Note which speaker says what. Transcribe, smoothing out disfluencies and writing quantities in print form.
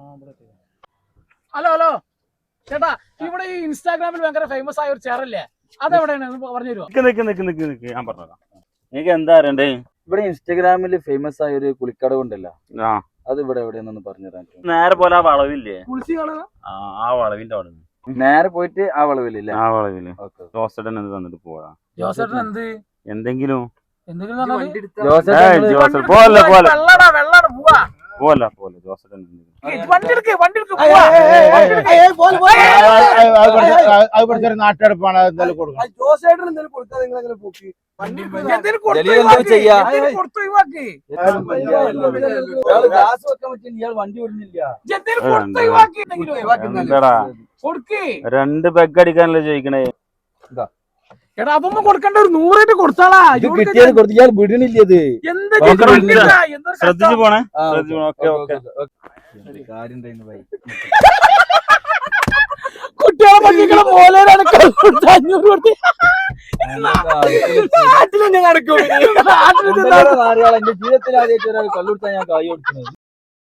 Speaker 1: Hello hello ചേട്ടാ, ഇവിടെ ഈ ഇൻസ്റ്റാഗ്രാമിൽ ഭയങ്കര ഫേമസ് ആയ ഒരു ചെയറല്ലേ, അതെവിടെയാണ് പറഞ്ഞു തരുമോ?
Speaker 2: ഞാൻ പറഞ്ഞതാ. എനിക്ക് എന്താ അറിയണ്ടേ?
Speaker 3: ഇവിടെ ഇൻസ്റ്റാഗ്രാമിൽ ഫേമസ് ആയ ഒരു കുളിക്കടവ് ഉണ്ടല്ലോ, അത് ഇവിടെ എവിടെയെന്നൊന്ന് പറഞ്ഞു തരാൻ.
Speaker 2: നേരെ പോലെ ആ വളവില്ലേ, ആ വളവിന്റെ അവിടെ
Speaker 3: നേരെ പോയിട്ട് ആ വളവില്ലേ?
Speaker 2: ആ വളവില് ജോസേട്ടൻ എന്ത് തന്നിട്ട് പോവാ.
Speaker 1: ജോസേട്ടൻ എന്ത്
Speaker 2: എന്തെങ്കിലും പോലെ ജോസേട്ടൻ
Speaker 4: നാട്ടെടുപ്പാണ് എന്തായാലും കൊടുക്കണം.
Speaker 3: വണ്ടി വിടുന്നില്ല.
Speaker 2: രണ്ട് പെഗ് അടിക്കാനല്ലേ ചോദിക്കണേ.
Speaker 1: എടാ അതൊന്നും കൊടുക്കണ്ട, ഒരു 100 കൊടുത്താളാ.
Speaker 3: കിട്ടിയാൽ കൊടുത്ത് ഇയാൾ വിടണില്ലത്.
Speaker 2: ശ്രദ്ധിച്ചു പോണേ.
Speaker 1: കുട്ടികളെ പറ്റിക്കണ പോലെ
Speaker 3: നാട്ടിലെന്നെ നടക്കും. ജീവിതത്തിൽ ആദ്യമായിട്ട് ഒരാൾ കല്ലുകൊടുത്താൽ ഞാൻ കായ് കൊടുക്കുന്നത്.